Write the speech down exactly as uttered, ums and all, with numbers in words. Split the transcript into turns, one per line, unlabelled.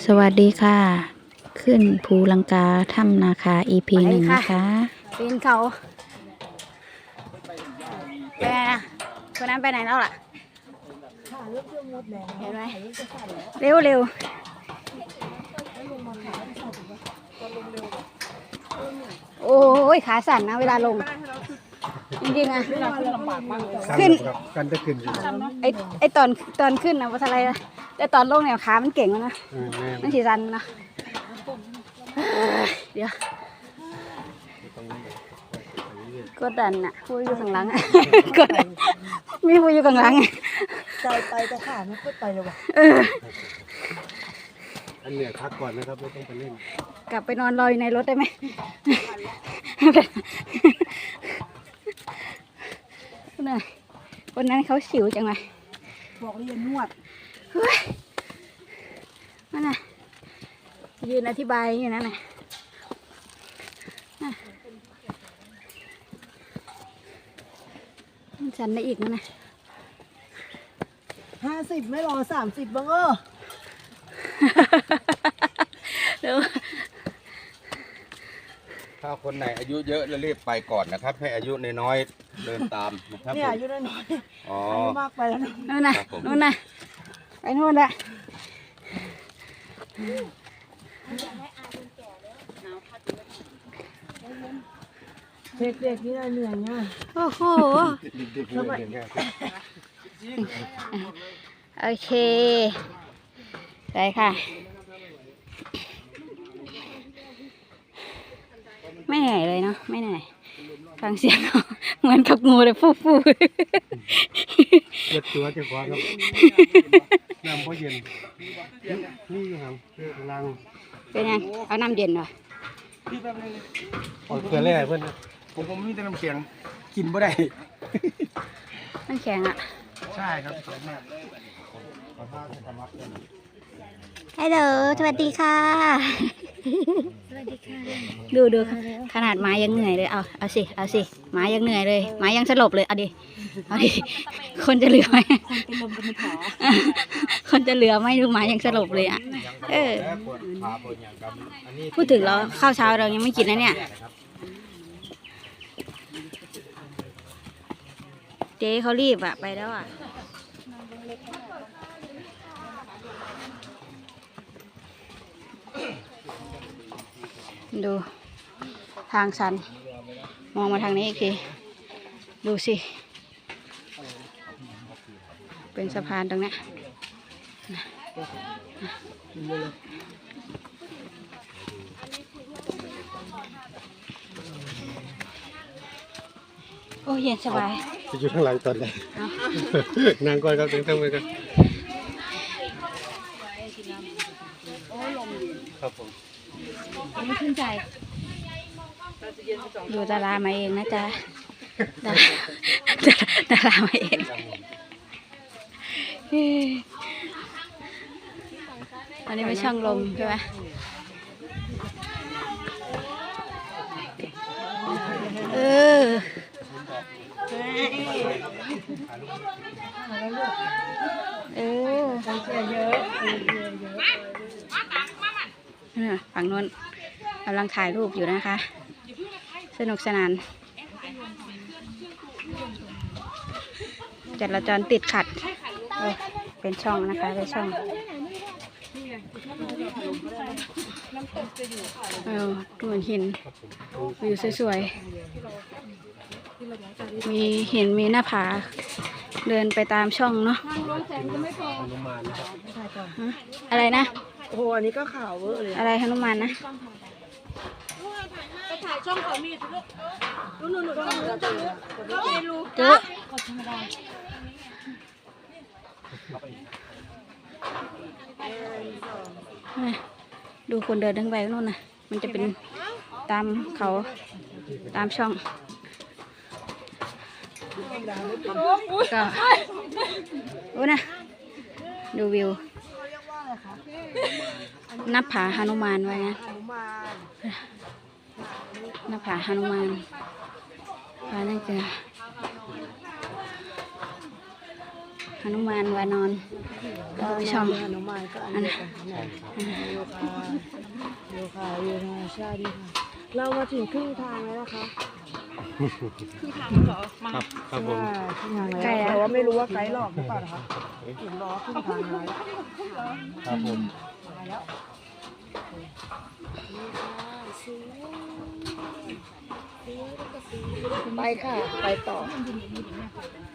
สวัสดีค่ะ ขึ้นภูลังกาถ้ำนาคา อี พี หนึ่งนะคะ
ปีนเขาไปไหนนะคนนั้นไปไหนแล้วล่ะเห็นไหมเร็วเร็วโอ้ยขาสั่นนะเวลาลงจริงๆอะขึ้น
กันจะขึ้น
ไอไอตอนตอนขึ้นนะว่าอะไรนะแต่ตอนลงเนี่ยขามันเก่งแล้วนะมันสีสันนะเดี๋ยวกดดันน่ะพูดอยู่ข้างหลังกดดันมีพูดอยู่ข้างหลัง
ใจไปแต่ขาไม่ค่อยไปเลยวะ
อันเนี้ยพักก่อนนะครับไม่ต้องไปเล่น
กลับไปนอนรออยู่ในรถได้ไหมคนนั้นเขาสิวจังเลย
บอกเรียนนวด
เฮ้ยนั่นน่ะยืนอธิบายอยู่นั่นน่ะฉันได้อีกมั้ยนะ
ห้าสิบไม่รอสามสิบบ้างเออ
เดี๋ยว
ถ้าคนไหนอายุเยอะแล้วรีบไปก่อนนะครับให้อายุน้อยๆเดินตามนะครับ
เนี่ยอายุน้อย
อ๋อ
อายุมากไปแล้ว
นู่นน่ะนู่นน่ะไปนู่นแหละ
เด็กๆนี่เหนื่อยง่าย
โอ้โหโอเคได้ค่ะไม่เหนื่อยเลยเนาะไม่เหนื่อยฟังเสียงเหมือนกับงูเลยฟูฟู
เย็ดตัวจะคว้าครับน้ำก็เย็นนี่ครับกำลัง
เป็นยังเอาน้ำเย็นหน่อย
อ๋อเกลือแร่เพื่อนผมผมมีแต่น้ำแข็งกินไม่ได้
น้ำแข็งอ่ะ
ใช่ครับ
ฮัลโหลสวัสดีค่ะสวัสดีค่ะดูดูขนาดหมายังเหนื่อยเลยเอาเอาสิเอาสิหมายังเหนื่อยเลยหมายังสลบเลยเอาดิเอาดิคนจะเหลือไหมคนเป็นลมเป็นแผลคนจะเหลือไหมดูหมายังสลบเลยอ่ะเออพูดถึงเราข้าวเช้าเรายังไม่กินนะเนี่ยเจ๊เขารีบอะไปแล้วอะดูทางชันมองมาทางนี้อีกทีดูสิเป็นสะพานตรงนี้โอ้เย็นสบาย
จะอยู่ข้างหลังตอนไหนนางก่อนครับถึงต้องไปกันครับผม
ไม่ขึ้นใจอยู่ดารามาเองนะจ๊ะดาดารามาเองอันนี้ไม่ช่องลมใช่ไหมเออเออฝั่งนู้นกำลังถ่ายรูปอยู่นะคะสนุกสนานจราจรติดขัดเป็นช่องนะคะเป็นช่องเออดูเหมือนหินวิวสวยๆมีเห็นมีหน้าผาเดินไปตามช่องเนาะอะไรนะ
โอ้โหอันนี้ก็ข่าวเวอร์เลย
อะไรฮนุมานนะ
ไปถ่ายช่องเขามีทุกนู่นนู่นนู่นนู่น
เจอดูคนเดินทั้งไปนู่นน่ะมันจะเป็นตามเขาตามช่องก็โอ้นะดูวิวนับผาหนุมานไว้นะนับผาหนุมานพานั่นคือหนุมานวานอนก็ช่อง
ฮนุมานก็อันเดียวกันนะโยคะโยคะโยคะชาดีค่ะเรามาถึงครึ่งทางแล้วนะคะ
ครับครับผม
ครึ่งทางแล้วแต่ว่าไม่รู้ว่าไกด์หลอกหรือเปล่านะคะเห็นล้อครึ่งทางแล้ว
ครับผม
ไปค่ะ ไปต่อ